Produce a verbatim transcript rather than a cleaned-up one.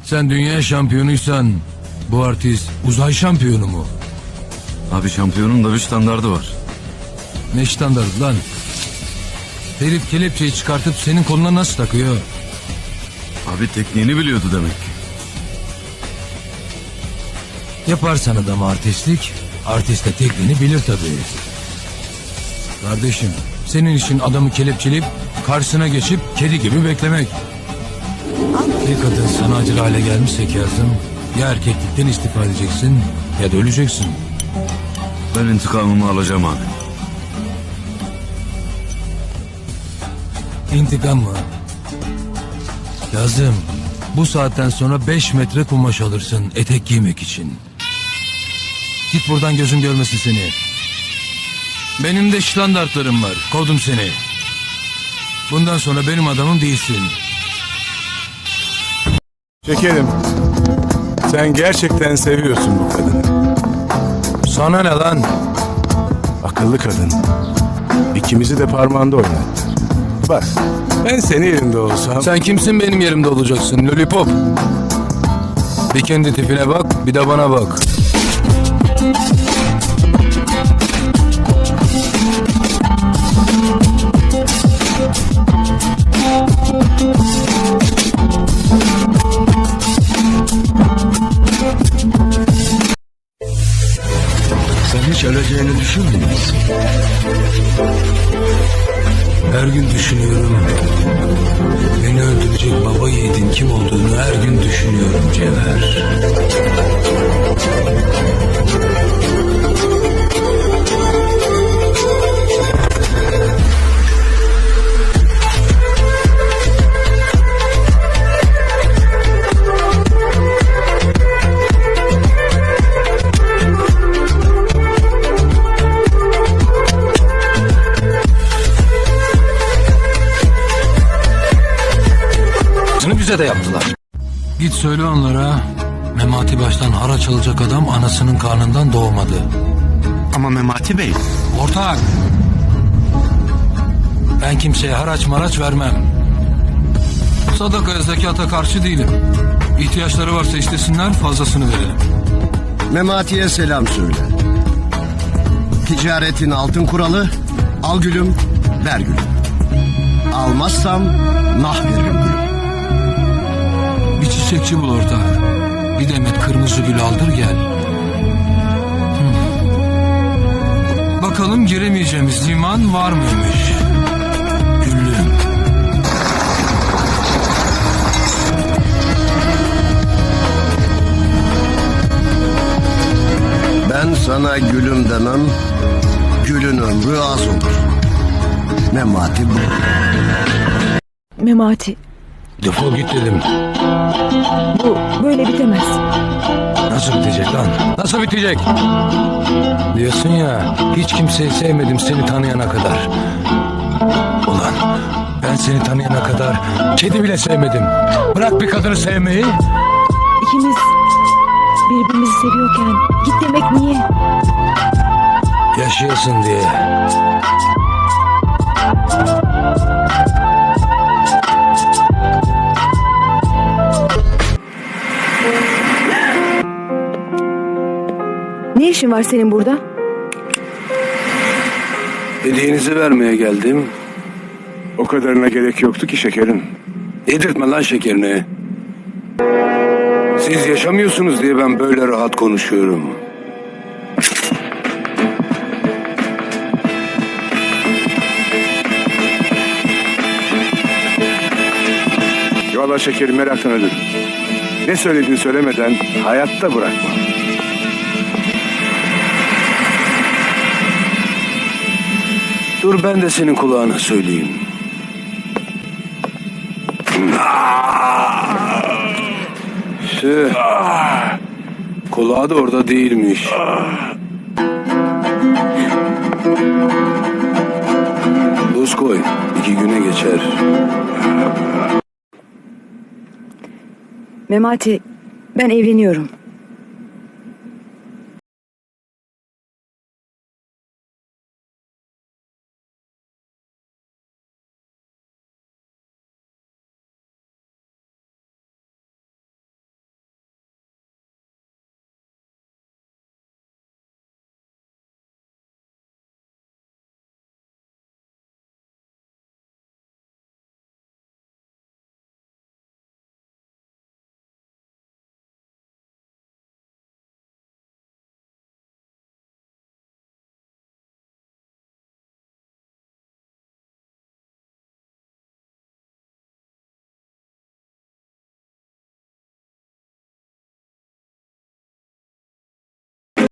Sen dünya şampiyonuysan bu artist uzay şampiyonu mu? Abi şampiyonun da bir standardı var. Ne standart lan? Herif kelepçeyi çıkartıp senin koluna nasıl takıyor? Abi tekniğini biliyordu demek ki. Yaparsan adam artistlik, artist de tekniğini bilir tabii. Kardeşim, senin işin adamı kelepçeleyip karşısına geçip kedi gibi beklemek. Bir kadın sana acır hale gelmişse Kazım, ya erkeklikten istifa edeceksin ya da öleceksin. Ben intikamımı alacağım abi. İntikam mı? Kazım, bu saatten sonra beş metre kumaş alırsın etek giymek için. Git buradan, gözüm görmesin seni. Benim de standartlarım var, kovdum seni. Bundan sonra benim adamım değilsin. Şekerim, sen gerçekten seviyorsun bu kadını. Sana ne lan? Akıllı kadın. İkimizi de parmağında oynattı. Bak, ben senin yerinde olsam... Sen kimsin benim yerimde olacaksın lollipop? Bir kendi tipine bak, bir de bana bak. Sen hiç öleceğini düşünmüyor musun? Her gün düşünüyorum. Beni öldürecek baba yiğidin kim olduğunu her gün düşünüyorum Cevher. Bize de yaptılar. Git söyle onlara, Memati baştan haraç alacak adam anasının karnından doğmadı. Ama Memati Bey... Ortak! Ben kimseye haraç maraç vermem. Sadakaya, zekata karşı değilim. İhtiyaçları varsa istesinler, fazlasını verelim. Memati'ye selam söyle. Ticaretin altın kuralı, al gülüm, ver gülüm. Almazsam nah veririm gülüm. Bir çiçekçi bul ortak. Bir demet kırmızı gül aldır gel. Hmm. Bakalım giremeyeceğimiz liman var mıymış? Güllüm. Ben sana gülüm demem, gülün ömrü az olur. Memati bu. Memati, Defol git dedim. bu böyle bitemez. Nasıl bitecek lan? Nasıl bitecek? Diyorsun ya, hiç kimseyi sevmedim seni tanıyana kadar. Ulan ben seni tanıyana kadar kedi bile sevmedim. Bırak bir kadını sevmeyi. İkimiz birbirimizi seviyorken git demek niye? Yaşıyorsun diye. Ne işin var senin burada? Hediyenizi vermeye geldim. O kadarına gerek yoktu ki şekerim. Yedirtme lan şekerini. Siz yaşamıyorsunuz diye ben böyle rahat konuşuyorum. Vallahi şekerim, meraktan ölürüm. Ne söylediğini söylemeden hayatta bırakma. Dur ben de senin kulağına söyleyeyim. Tüh. Kulağı da orada değilmiş. Buz koy. İki güne geçer. Memati, ben evleniyorum.